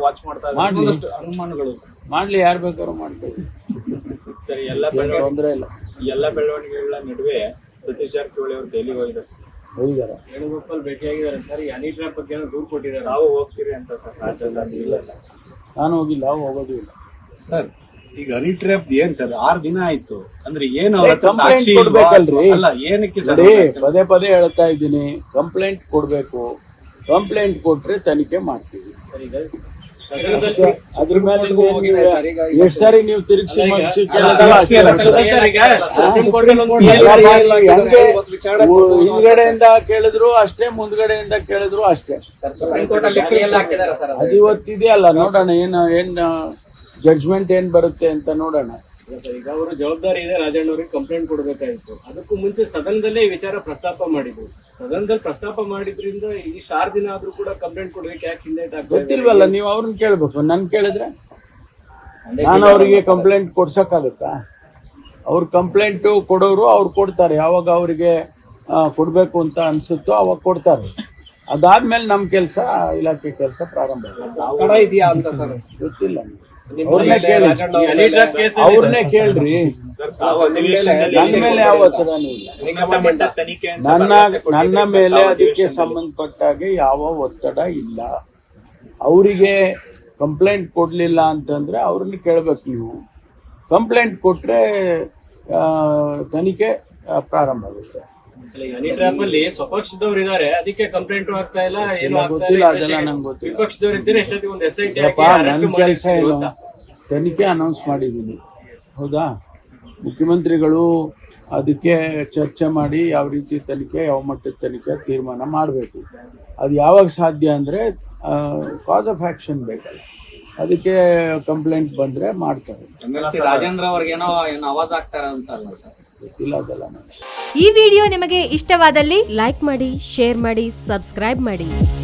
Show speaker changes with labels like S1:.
S1: Watch ಮಾಡ್ತಾ ಇದ್ದಾರೆ. ಒಂದಷ್ಟು ಅನುಮಾನಗಳು
S2: ಮಾಡ್ಲಿ, ಯಾರು ಬೇಕಾದ್ರೂ ಮಾಡ್ತೀವಿ.
S1: ಸರಿ,
S2: ತೊಂದರೆ ಇಲ್ಲ.
S1: ಎಲ್ಲ ಬೆಳವಣಿಗೆಗಳ ನಡುವೆ ಸತೀಶ್ ಜಾರಕಿಹೊಳಿ ಅವರು ದೆಹಲಿಗೆ ಹೋಗಿದ್ದಾರೆ ಸರ್.
S2: ಹೋಗಿದ್ದಾರೆ,
S1: ವೇಣುಗೋಪಾಲ್ ಭೇಟಿಯಾಗಿದ್ದಾರೆ ಸರ್. ಈ ಹನಿ ಟ್ರ್ಯಾಪ್ ಬಗ್ಗೆ ದೂರು ಕೊಟ್ಟಿದ್ದಾರೆ. ತಾವು ಹೋಗ್ತೀರಿ ಅಂತ ಸರ್ ರಾಜ್ಯದಲ್ಲಿ? ಇಲ್ಲ,
S2: ನಾನು ಹೋಗಿಲ್ಲ, ಹೋಗೋದು ಇಲ್ಲ
S1: ಸರ್. ಈಗ ಹನಿ ಟ್ರ್ಯಾಪ್ ಏನ್ ಸರ್ 6 ದಿನ ಆಯ್ತು ಅಂದ್ರೆ ಏನು
S2: ಕಂಪ್ಲೇಂಟ್ ಕೊಡ್ಬೇಕಲ್ರಿ?
S1: ಅಲ್ಲ, ಏನಕ್ಕೆ ಸರ್?
S2: ಪದೇ ಪದೇ ಹೇಳ್ತಾ ಇದ್ದೀನಿ, ಕಂಪ್ಲೇಂಟ್ ಕೊಡ್ಬೇಕು. ಕಂಪ್ಲೇಂಟ್ ಕೊಟ್ರೆ ತನಿಖೆ ಮಾಡ್ತೀವಿ. ಅದ್ರ ಮೇಲೆ ಎಷ್ಟು ಸಾರಿ ನೀವು ತಿರುಗಿಸಿ ಹಿಂದ್ಗಡೆಯಿಂದ ಕೇಳಿದ್ರು ಅಷ್ಟೇ, ಮುಂದ್ಗಡೆಯಿಂದ ಕೇಳಿದ್ರು ಅಷ್ಟೇ. ಅದು ಇವತ್ತಿದೆಯಲ್ಲ, ನೋಡೋಣ ಏನ್ ಜಡ್ಜ್ಮೆಂಟ್ ಏನ್ ಬರುತ್ತೆ ಅಂತ ನೋಡೋಣ.
S1: ಈಗ ಅವರು ಜವಾಬ್ದಾರಿ ಇದೆ, ರಾಜಣ್ಣ ಅವರಿಗೆ ಕಂಪ್ಲೇಂಟ್ ಕೊಡಬೇಕಾಗಿತ್ತು. ಅದಕ್ಕೂ ಮುಂಚೆ ಸದನದಲ್ಲೇ ಈ ವಿಚಾರ ಪ್ರಸ್ತಾಪ ಮಾಡಿದ್ರು. ಸದನದಲ್ಲಿ ಪ್ರಸ್ತಾಪ ಮಾಡಿದ್ರಿಂದ ಇಷ್ಟು 6 ದಿನ ಆದ್ರೂ ಕೂಡ ಕಂಪ್ಲೇಂಟ್ ಕೊಡ್ಬೇಕು ಯಾಕೆ ಹಿಂದೆ
S2: ಗೊತ್ತಿಲ್ವಲ್ಲ? ನೀವು ಅವ್ರನ್ನ ಕೇಳ್ಬೇಕು. ನನ್ ಕೇಳಿದ್ರೆ ನಾನು ಅವರಿಗೆ ಕಂಪ್ಲೇಂಟ್ ಕೊಡ್ಸಕ್ಕಾಗತ್ತಾ? ಅವ್ರ ಕಂಪ್ಲೇಂಟ್ ಕೊಡೋರು ಅವ್ರು ಕೊಡ್ತಾರೆ. ಯಾವಾಗ ಅವರಿಗೆ ಕೊಡ್ಬೇಕು ಅಂತ ಅನ್ಸುತ್ತೋ ಅವಾಗ ಕೊಡ್ತಾರೆ. ಅದಾದ್ಮೇಲೆ ನಮ್ ಕೆಲಸ, ಇಲಾಖೆ ಕೆಲಸ ಪ್ರಾರಂಭ
S1: ಇದೆಯಾ ಅಂತ ಸರ್
S2: ಗೊತ್ತಿಲ್ಲ. ಅವ್ರನ್ನೇ ಕೇಳ್ರಿ. ನನ್ನ ಮೇಲೆ ಯಾವ ಒತ್ತಡನೂ ಇಲ್ಲ. ನನ್ನ ಮೇಲೆ ಅದಕ್ಕೆ ಸಂಬಂಧಪಟ್ಟಾಗೆ ಯಾವ ಒತ್ತಡ ಇಲ್ಲ. ಅವರಿಗೆ ಕಂಪ್ಲೇಂಟ್ ಕೊಡ್ಲಿಲ್ಲ ಅಂತಂದ್ರೆ ಅವ್ರನ್ನ ಕೇಳ್ಬೇಕು. ನೀವು ಕಂಪ್ಲೇಂಟ್ ಕೊಟ್ರೆ ತನಿಖೆ ಪ್ರಾರಂಭ ಆಗುತ್ತೆ.
S1: ಹನಿ ಟ್ರ್ಯಾಪ್ ಅಲ್ಲಿ ಸ್ವಪಕ್ಷದವ್ರು ಇದಾರೆ, ಅದಕ್ಕೆ ಕಂಪ್ಲೇಂಟ್ ಆಗ್ತಾ ಇಲ್ಲ.
S2: ಗೊತ್ತಿಲ್ಲ, ಅದೆಲ್ಲ ನಂಗೆ ಗೊತ್ತಿಲ್ಲ.
S1: ವಿಪಕ್ಷದವ್ರು ಇದ್ದಾರೆ, ಎಷ್ಟೊತ್ತಿಗೆ ಒಂದು SIT
S2: ನನ್ನ ಕೆಲಸ ಏನು? ತನಿಖೆ ಅನೌನ್ಸ್ ಮಾಡಿದ್ದೀನಿ, ಹೌದಾ? ಮುಖ್ಯಮಂತ್ರಿಗಳು ಅದಕ್ಕೆ ಚರ್ಚೆ ಮಾಡಿ ಯಾವ ರೀತಿ ತನಿಖೆ, ಯಾವ ಮಟ್ಟದ ತನಿಖೆ ತೀರ್ಮಾನ ಮಾಡಬೇಕು. ಅದು ಯಾವಾಗ ಸಾಧ್ಯ ಅಂದರೆ ಕಾಸ್ ಆಫ್ ಆಕ್ಷನ್ ಬೇಕಲ್ಲ, ಅದಕ್ಕೆ ಕಂಪ್ಲೇಂಟ್ ಬಂದರೆ ಮಾಡ್ತಾರೆ.
S1: ರಾಜೇಂದ್ರ ಅವ್ರಿಗೇನೋ ಆವಾಜ್ ಆಗ್ತಾರ ಅಂತಲ್ಲ ಸರ್,
S2: ಗೊತ್ತಿಲ್ಲ ಅದೆಲ್ಲ.
S3: ಈ ವಿಡಿಯೋ ನಿಮಗೆ ಇಷ್ಟವಾದಲ್ಲಿ ಲೈಕ್ ಮಾಡಿ, ಶೇರ್ ಮಾಡಿ, ಸಬ್ಸ್ಕ್ರೈಬ್ ಮಾಡಿ.